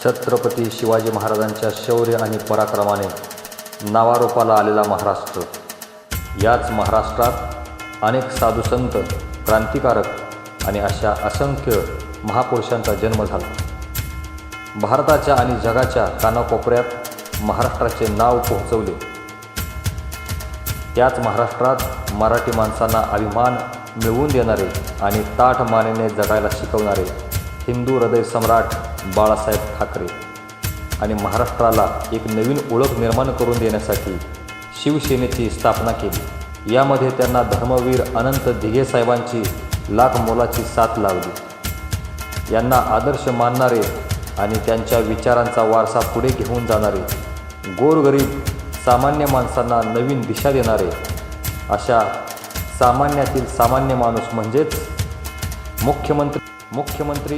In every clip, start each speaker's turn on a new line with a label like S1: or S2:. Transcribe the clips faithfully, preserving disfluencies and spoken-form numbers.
S1: छत्रपती शिवाजी महाराजांच्या शौर्य आणि पराक्रमाने नावारूपाला आलेला महाराष्ट्र. याच महाराष्ट्रात अनेक साधुसंत, क्रांतिकारक आणि अशा असंख्य महापुरुषांचा जन्म झाला. भारताच्या आणि जगाच्या कानाकोपऱ्यात महाराष्ट्राचे नाव पोहोचवले. त्याच महाराष्ट्रात मराठी माणसांना अभिमान मिळवून देणारे आणि ताठ मानेने जगायला शिकवणारे हिंदू हृदय सम्राट बाळासाहेब ठाकरे आणि महाराष्ट्राला एक नवीन ओळख निर्माण करून देण्यासाठी शिवसेनेची स्थापना केली. यामध्ये त्यांना धर्मवीर अनंत दिघे साहेबांची लाख मोलाची साथ लावली. यांना आदर्श मानणारे आणि त्यांच्या विचारांचा वारसा पुढे घेऊन जाणारे, गोरगरीब सामान्य माणसांना नवीन दिशा देणारे अशा सामान्यातील सामान्य माणूस म्हणजेच मुख्यमंत्री मुख्यमंत्री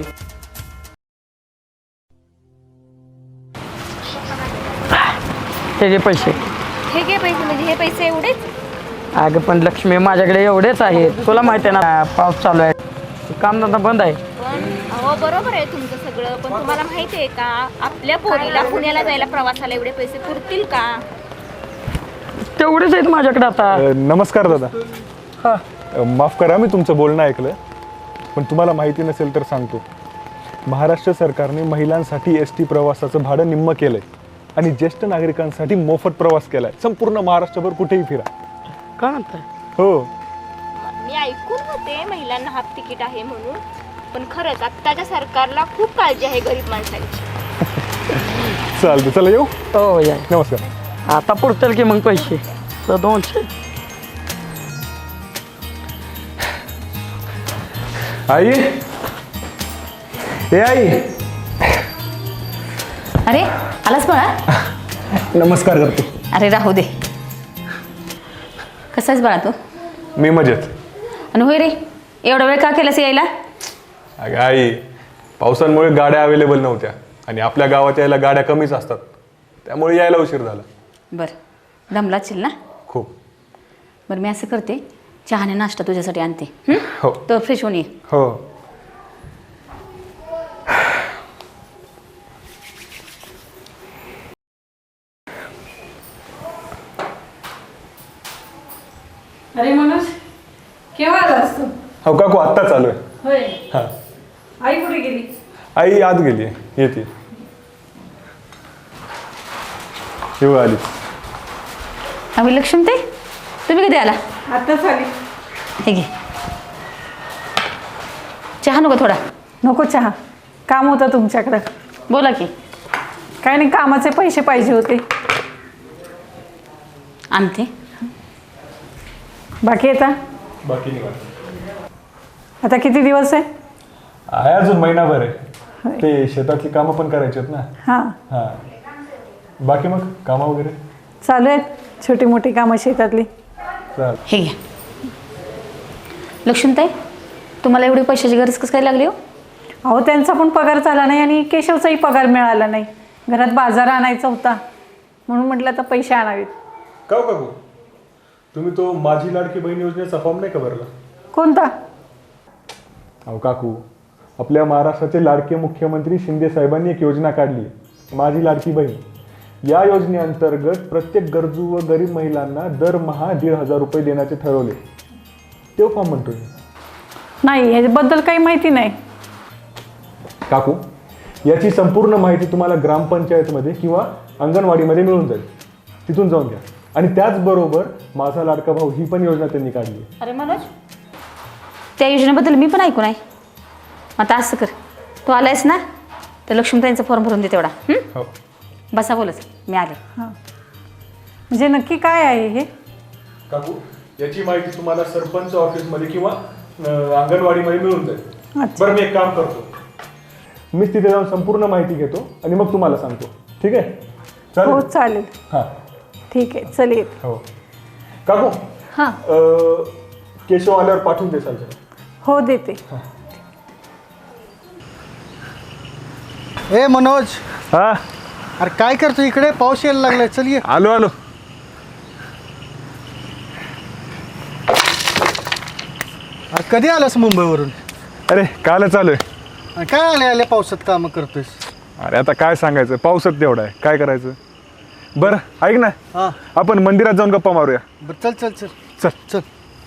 S2: हे घे पैसे.
S3: हे घे पैसे म्हणजे हे पैसे एवढेच?
S2: अगं पण लक्ष्मी, माझ्याकडे एवढेच आहेत. तुला माहिती आहे ना, पाऊस चालू आहे, कामधंदा बंद आहे.
S3: अहो बरोबर आहे तुमचं सगळं, पण तुम्हाला माहिती आहे का आपल्या पोरीला पुण्याला जायला प्रवासाला एवढे पैसे पुरतील का?
S2: तेवढेच आहेत माझ्याकडे आता.
S4: नमस्कार दादा.
S2: हा,
S4: माफ करा मी तुमचं बोलणं ऐकलं, पण तुम्हाला माहिती नसेल तर सांगतो. महाराष्ट्र सरकारने महिलांसाठी एस टी प्रवासाचं भाडं निम्म केलंय आणि ज्येष्ठ नागरिकांसाठी मोफत प्रवास केलाय. संपूर्ण महाराष्ट्रभर कुठेही फिरा.
S2: काय म्हणताय?
S4: हो,
S3: मी ऐकून होते महिलांना हाफ तिकीट आहे म्हणून, पण खरंच आत्ताच्या सरकारला खूप काळजी आहे गरीब माणसांची.
S4: चालतं, चला येऊ.
S2: हो या.
S4: नमस्कार.
S2: आता पुरतील की मग पैसे? तर दोनशे.
S4: आई, हे आई.
S5: अरे आलास बाळा?
S4: नमस्कार करतो.
S5: अरे राहू दे. कसा आहेस बाळा तू?
S4: मी मजेत.
S5: आणि होय रे, एवढा वेळ का केलास यायला?
S4: अगं आई, पावसामुळे गाड्या अवेलेबल नव्हत्या आणि आपल्या गावात यायला गाड्या कमीच असतात, त्यामुळे यायला उशीर झाला.
S5: बरं, दमलाचील ना?
S4: खूप.
S5: बरं मी असं करते, चहाने नाश्ता तुझ्यासाठी आणते. हं?
S4: हो
S5: तर फ्रेश होऊन ये.
S4: हो.
S6: अरे मनोज, केव्हा आला असतो?
S4: हो काकू, आत्ता चालू आहे.
S6: होय.
S4: हां.
S6: आई कुठे गेली?
S4: आई आत गेली आहे, येते. येऊ आली.
S5: आम्ही लक्ष्मी ते तुम्ही कधी आला?
S6: आत्ताच आली.
S5: हे घे चहा. नको थोडा?
S6: नको चहा, काम होतं तुमच्याकडं.
S5: बोला की.
S6: काय नाही, कामाचे पैसे पाहिजे होते.
S5: आणते.
S6: बाकी येता?
S4: बाकी नाही.
S6: आता किती दिवस आहे?
S4: आहे अजून महिनाभर आहे. ते शेतातली कामं पण करायची आहेत ना.
S6: हां,
S4: हां. बाकी मग कामं वगैरे
S6: चालू आहेत, छोटी मोठी कामं शेतातली.
S4: चाल.
S5: हे घ्या. लक्ष्मीताई, तुम्हाला एवढी पैशाची गरज कसं काय लागली हो?
S6: अहो त्यांचा पण पगार झाला नाही आणि केशवचाही पगार मिळाला नाही. घरात बाजार आणायचा होता म्हणून म्हटलं तर पैसे आणावेत.
S4: का हो काकू, तुम्ही तो माझी लाडकी बहीण योजनेचा फॉर्म नाही का भरला?
S6: कोणता?
S4: अहो काकू, आपल्या महाराष्ट्राचे लाडके मुख्यमंत्री शिंदे साहेबांनी एक योजना काढली, माझी लाडकी बहीण. या योजनेअंतर्गत प्रत्येक गरजू व गरीब महिलांना दरमहा दीड हजार रुपये देण्याचे ठरवले. तो फॉर्म म्हणतोय.
S6: नाही, ह्याच्याबद्दल काही माहिती नाही.
S4: काकू, याची संपूर्ण माहिती तुम्हाला ग्रामपंचायतमध्ये किंवा अंगणवाडीमध्ये मिळून जाईल. तिथून जाऊन घ्या. आणि त्याचबरोबर माझा लाडका भाऊ ही पण योजना त्यांनी काढली.
S5: अरे मनोज, त्या योजनेबद्दल मी पण ऐकून आहे. आता असं कर, तू आलायस ना, तर लक्ष्मीताईंचा फॉर्म भरून दे तेवढा. हं?
S4: हो.
S5: बसा बोलच, मी आले.
S6: हां, म्हणजे नक्की काय आहे हे?
S4: काकू, याची माहिती तुम्हाला सरपंच ऑफिसमध्ये किंवा अंगणवाडीमध्ये मिळून जाईल.
S6: अच्छा.
S4: बरं, मी एक काम करतो, मीच तिथे जाऊन संपूर्ण माहिती घेतो आणि मग तुम्हाला सांगतो. ठीक आहे?
S6: हो
S4: चालेल.
S6: चालेल.
S4: हां.
S6: ठीक आहे, चल येत.
S4: हो काकू,
S6: हां,
S4: केशव आल्यावर पाठवून देसाल का?
S6: हो देते.
S7: ए मनोज,
S4: हा,
S7: अरे काय करतो इकडे? पाऊस यायला लागलाय. चल ये.
S4: आलो आलो.
S7: अरे कधी आलास मुंबईवरून?
S4: अरे कालच आलोय.
S7: अरे काय आले आल्या पावसात कामं करतोयस?
S4: अरे आता काय सांगायचं, पावसात तेवढा आहे, काय करायचं. बरं ऐक ना,
S7: हां
S4: आपण मंदिरात जाऊन गप्पा मारूया.
S7: बरं चल चल चल
S4: चल.
S7: चल.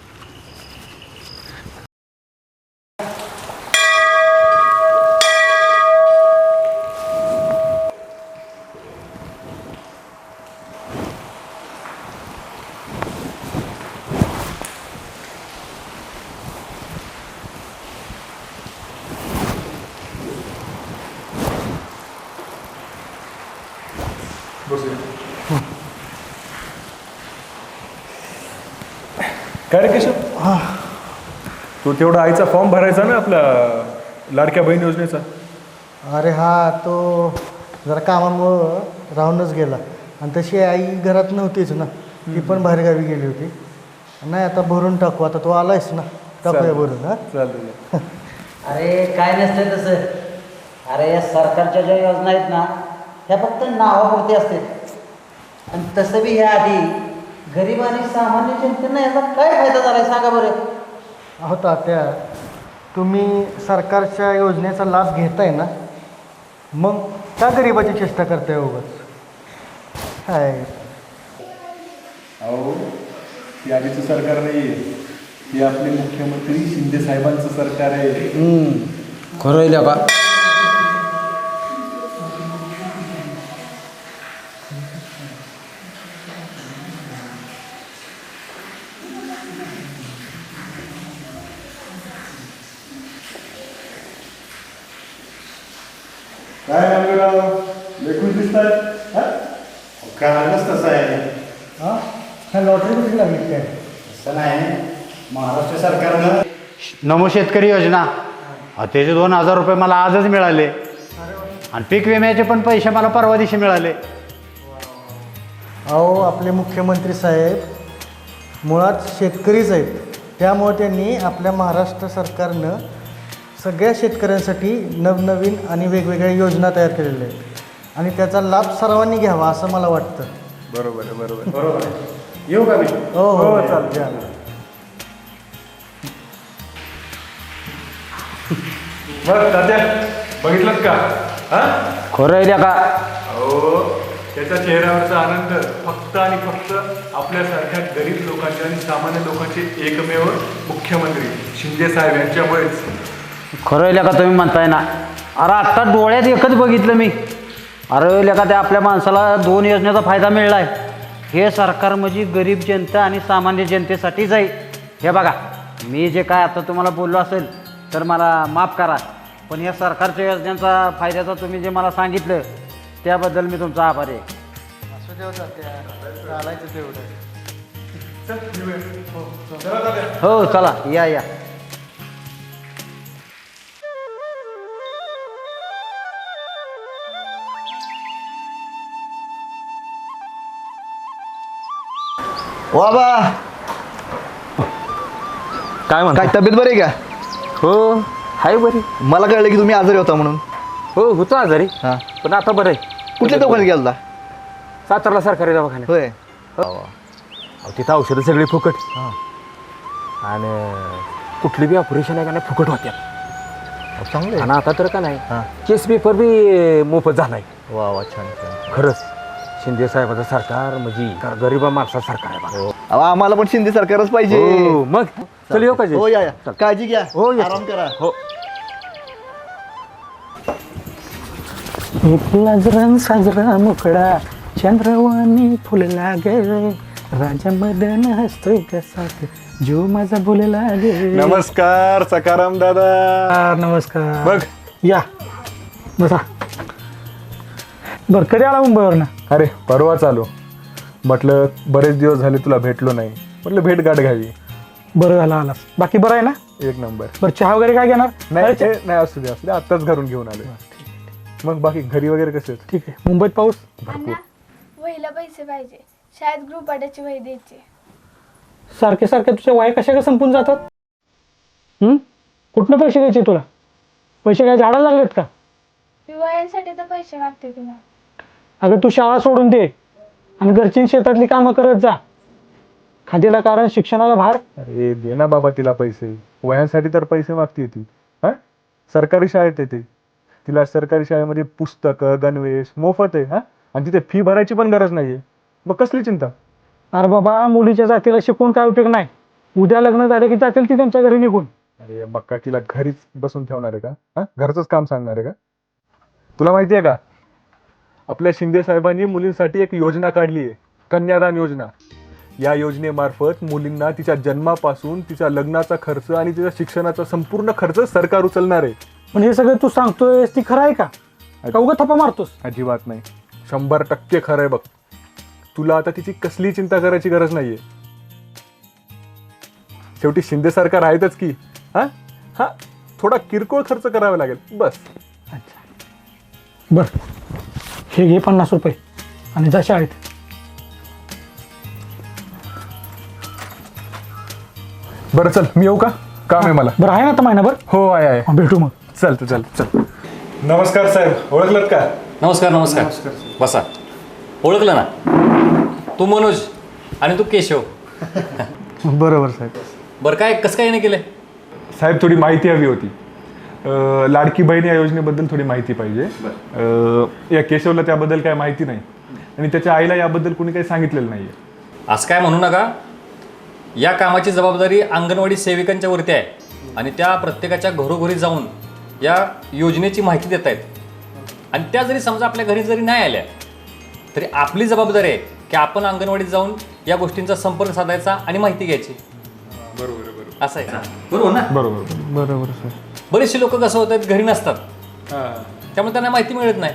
S4: काय रे केशव, तू तेवढा आईचा फॉर्म भरायचा ना आपल्या लाडक्या बहीण योजनेचा.
S7: अरे हा तो जरा कामामुळं राहूनच गेला आणि तशी आई घरात नव्हतीच ना, ती पण बाहेरगावी गेली होती. नाही आता भरून टाकू, आता तू आलायस ना, टाकूया भरून. हां
S4: चालेल.
S8: अरे काय नसतं तसं. अरे या सरकारच्या ज्या योजना आहेत ना ह्या फक्त नावापुरती असतात आणि तसं बी ह्या आधी गरीब आणि सामान्य जनतेनं याचा काय फायदा झाला सांगा बरं.
S7: अहो तात्या, तुम्ही सरकारच्या योजनेचा लाभ घेताय ना, मग का गरिबाची चेष्टा करताय उगाच? काय
S4: अहो ही आधीचं सरकार नाही आहे, हे आपले मुख्यमंत्री शिंदे साहेबांचं सरकार आहे.
S2: खरं का?
S4: काय मंगळराव, लेखून दिसतात.
S9: कारणच तसं आहे.
S7: हां काय लॉटरी कुठे लागली काय?
S9: असं नाही, महाराष्ट्र सरकारनं नमो शेतकरी योजना त्याचे दोन हजार रुपये मला आजच मिळाले आणि पीक विम्याचे पण पैसे मला परवा दिवशी मिळाले.
S7: अहो आपले मुख्यमंत्री साहेब मुळात शेतकरीच आहेत, त्यामुळे त्यांनी आपल्या महाराष्ट्र सरकारनं सगळ्या शेतकऱ्यांसाठी नवनवीन आणि वेगवेगळ्या योजना तयार केलेल्या आहेत आणि त्याचा लाभ सर्वांनी घ्यावा असं मला वाटतं.
S4: बरोबर आहे, बरोबर बरोबर आहे. येऊ का मी?
S7: हो हो
S4: चालेल.
S7: द्या.
S4: बरं तात्या, बघितलं का? हा
S2: खरं आहे का?
S4: अहो त्याच्या चेहऱ्यावरचा आनंद फक्त आणि फक्त आपल्यासारख्या गरीब लोकांचे आणि सामान्य लोकांचे एकमेव मुख्यमंत्री शिंदे साहेब यांच्यामुळेच.
S2: खरं आहे का तुम्ही म्हणताय ना? अरे आत्ता डोळ्यात एकच बघितलं मी. अरे लेका त्या आपल्या माणसाला दोन योजनेचा फायदा मिळला आहे. हे सरकार म्हणजे गरीब जनता आणि सामान्य जनतेसाठीच आहे. हे बघा, मी जे काय आता तुम्हाला बोललो असेल तर मला माफ करा, पण या सरकारच्या योजनेचा फायद्याचा तुम्ही जे मला सांगितलं त्याबद्दल मी तुमचा आभारी आहे.
S7: असू देऊ तात्या, चालायचं तेवढं.
S2: हो चला या या.
S10: बाबा
S2: काय म्हणता?
S10: काय तब्येत बरी आहे का?
S2: हो हाय बरी.
S10: मला कळलं की तुम्ही आजारी होता म्हणून.
S2: हो होतो आजारी,
S10: हां
S2: पण आता बरं आहे.
S10: कुठल्या दवाखान्यात गेलता?
S2: सातारला सरकारी दवाखान्यात.
S10: होय.
S2: अहो तिथं औषधं सगळी फुकट आणि कुठली बी ऑपरेशन आहे का नाही फुकट होत्या.
S10: चांगलं
S2: आणि आता तर का नाही
S10: हां.
S2: केस पेपर बी मोफत झालाय.
S10: वा वा छान छान.
S2: खरंच शिंदे साहेबाचं सरकार म्हणजे गरीबा माणसा सरकार आहे बघा.
S10: अहो आम्हाला पण शिंदे सरकारच पाहिजे.
S2: हो, मग चल येऊ का जे?
S10: हो या या. काळजी घ्या.
S2: हो या.
S10: आराम करा.
S2: हो. रंग साजरा मुकडा चंद्रवाणी फुलला गे राजा मदन हसतोय कसा जो माझा बोलला गे.
S4: नमस्कार सकाराम दादा.
S2: नमस्कार.
S4: बघ
S2: या बसा. बरं कधी आला मुंबईवर ना?
S4: अरे परवा चालू म्हटलं, बरेच दिवस झाले तुला भेटलो नाही, म्हटलं भेट गाठ घ्यावी.
S2: बरं झालं आलास. बाकी बरं आहे ना?
S4: एक नंबर.
S2: बरं चहा वगैरे काय घेणार?
S4: नाही ते नाही, असू दे असू दे, आत्ताच घरून घेऊन आलो. मग बाकी घरी वगैरे कसे आहेत?
S2: ठीक आहे. मुंबईत पाऊस?
S3: अण्णा, वहीला पैसे पाहिजे, शाळेत ग्रुप पाड्याची वही द्यायची.
S2: सारखे सारखे तुझ्या वया कशा का संपून जातात? हम्म? कुठनं पैसे द्यायचे तुला? पैसे काय झाडाला लागलेत का?
S3: मी वयांसाठी तर पैसे मागते तुला.
S2: अगं तू शाळा सोडून दे आणि घरची शेतातली कामं करत जा. खादीला कारण शिक्षणाला भार.
S4: अरे दे ना बाबा तिला पैसे, वयांसाठी तर पैसे मागते ती. हा सरकारी शाळेत येते. तिला सरकारी शाळेमध्ये पुस्तकं गणवेश मोफत आहे. हा, आणि तिथे फी भरायची पण गरज नाहीये. मग कसली चिंता?
S2: अरे बाबा, मुलीच्या जातीला शिकून काय उपयोग नाही. उद्या लग्न झालं की जातील ती त्यांच्या घरी निघून.
S4: अरे बक्का, तिला घरीच बसून ठेवणार आहे का? हा, घरचंच काम सांगणार आहे का? तुला माहिती आहे का, आपल्या शिंदे साहेबांनी मुलींसाठी एक योजना काढली आहे, कन्यादान योजना. या योजनेमार्फत मुलींना तिच्या जन्मापासून तिच्या लग्नाचा खर्च आणि तिच्या शिक्षणाचा संपूर्ण खर्च सरकार उचलणार आहे.
S2: पण हे सगळं तू सांगतोय ती खरं आहे का? का उगा थप्पा मारतोस?
S4: अजिबात नाही, शंभर टक्के खरं आहे बघ. तुला आता तिची कसली चिंता करायची गरज नाहीये. शेवटी शिंदे सरकार आहेतच की. हा हा थोडा किरकोळ खर्च करावा लागेल बस.
S2: बर, हे घे पन्नास रुपये आणि जा शाळेत.
S4: बरं चल, मी येऊ का? काम आहे मला.
S2: बरं आहे ना आता महिनाभर?
S4: हो आहे आहे.
S2: हा, भेटू मग.
S4: चल तू चल चल. नमस्कार साहेब, ओळखलत का?
S1: नमस्कार नमस्कार बसा. ओळखलं ना, तू मनोज आणि तू केशव.
S7: बरोबर साहेब.
S1: बरं, काय कसं काय नाही केलं?
S4: साहेब, थोडी माहिती हवी होती. अं, लाडकी बहीण या योजनेबद्दल थोडी माहिती पाहिजे. अं, या केशवला त्याबद्दल काय माहिती नाही आणि त्याच्या आईला याबद्दल कोणी काही सांगितलेलं नाहीये.
S1: असं काय म्हणू नका. या कामाची जबाबदारी अंगणवाडी सेविकांच्या वरती आहे आणि त्या प्रत्येकाच्या घरोघरी जाऊन या योजनेची माहिती देत आहेत. आणि त्या जरी समजा आपल्या घरी जरी नाही आल्या तरी आपली जबाबदारी आहे की आपण अंगणवाडीत जाऊन या गोष्टींचा संपर्क साधायचा आणि माहिती घ्यायची. बरोबर बरोबर असं आहे का? बरोबर ना?
S4: बरोबर
S7: बरोबर सर.
S1: बरेचसे लोक कसं होत आहेत, घरी नसतात, त्यामुळे त्यांना माहिती मिळत नाही.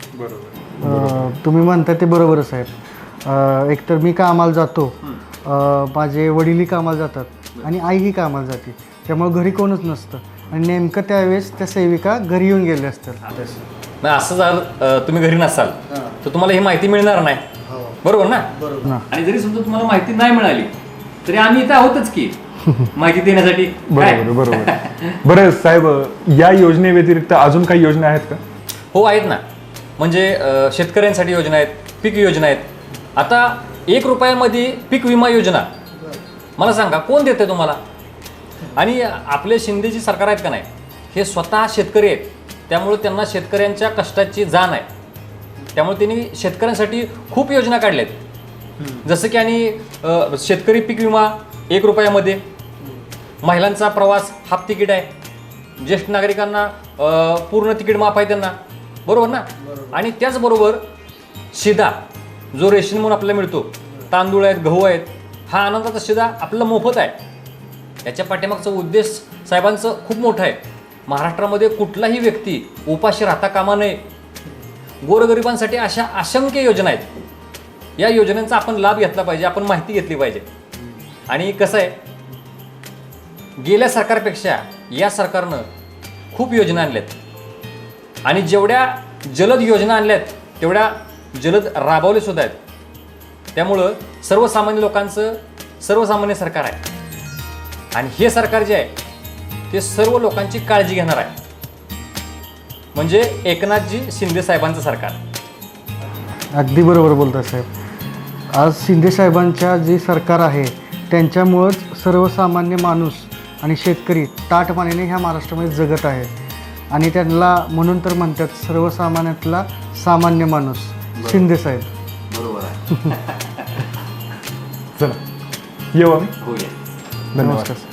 S7: अं, तुम्ही म्हणता ते बरोबरच साहेब. अं, एकतर मी कामाला जातो, अं, माझे वडीलही कामाला जातात आणि आईही कामाला जाते, त्यामुळे घरी कोणच नसतं आणि नेमकं त्यावेळेस त्या सेविका घरी येऊन गेल्या असतात.
S1: नाही, असं जर अं, तुम्ही घरी नसाल तर तुम्हाला ही माहिती मिळणार नाही. बरोबर ना? आणि जरी समजा तुम्हाला माहिती नाही मिळाली तरी आम्ही इथं आहोतच की माहिती देण्यासाठी.
S4: बरोबर बरोबर. बरं साहेब, या योजनेव्यतिरिक्त अजून काही योजना आहेत का?
S1: हो आहेत ना. म्हणजे अं, शेतकऱ्यांसाठी योजना आहेत, पीक योजना आहेत. आता एक रुपयामध्ये पीक विमा योजना मला सांगा कोण देते तुम्हाला? आणि आपले शिंदेची सरकार आहेत का नाही, हे स्वतः शेतकरी आहेत, त्यामुळे त्यांना शेतकऱ्यांच्या कष्टाची जाण आहे. त्यामुळे त्यांनी शेतकऱ्यांसाठी खूप योजना काढल्या आहेत. जसं की आणि अ, शेतकरी पीक विमा एक रुपयामध्ये, महिलांचा प्रवास हाफ तिकीट आहे, ज्येष्ठ नागरिकांना अ, पूर्ण तिकीट माफ आहे त्यांना. बरोबर ना? आणि त्याचबरोबर शिधा जो रेशन म्हणून आपल्याला मिळतो, तांदूळ आहेत, गहू आहेत, हा आनंदाचा शिधा आपल्याला मोफत आहे. याच्या पाठीमागचा उद्देश साहेबांचं खूप मोठा आहे. महाराष्ट्रामध्ये कुठलाही व्यक्ती उपाशी राहता कामा नये. गोरगरिबांसाठी अशा असंख्य योजना आहेत. या योजनांचा आपण लाभ घेतला पाहिजे, आपण माहिती घेतली पाहिजे. आणि कसं आहे, गेल्या सरकारपेक्षा या सरकारनं खूप योजना आणल्यात आणि जेवढ्या जलद योजना आणल्यात तेवढ्या जलद राबवले सुद्धा आहेत. त्यामुळं सर्वसामान्य लोकांचं सर्वसामान्य सरकार आहे आणि हे सरकार जे आहे ते सर्व लोकांची काळजी घेणार आहे. म्हणजे एकनाथजी शिंदे साहेबांचं सरकार.
S7: अगदी बरोबर बोलता साहेब. आज शिंदे साहेबांच्या जे सरकार आहे त्यांच्यामुळंच सर्वसामान्य माणूस आणि शेतकरी ताटमानेने ह्या महाराष्ट्रामध्ये जगत आहे आणि त्यांना म्हणून तर म्हणतात सर्वसामान्यातला सामान्य माणूस शिंदे साहेब.
S1: बरोबर आहे.
S4: चला येऊ आम्ही.
S1: हो या.
S4: धन्यवाद.
S7: नमस्कार.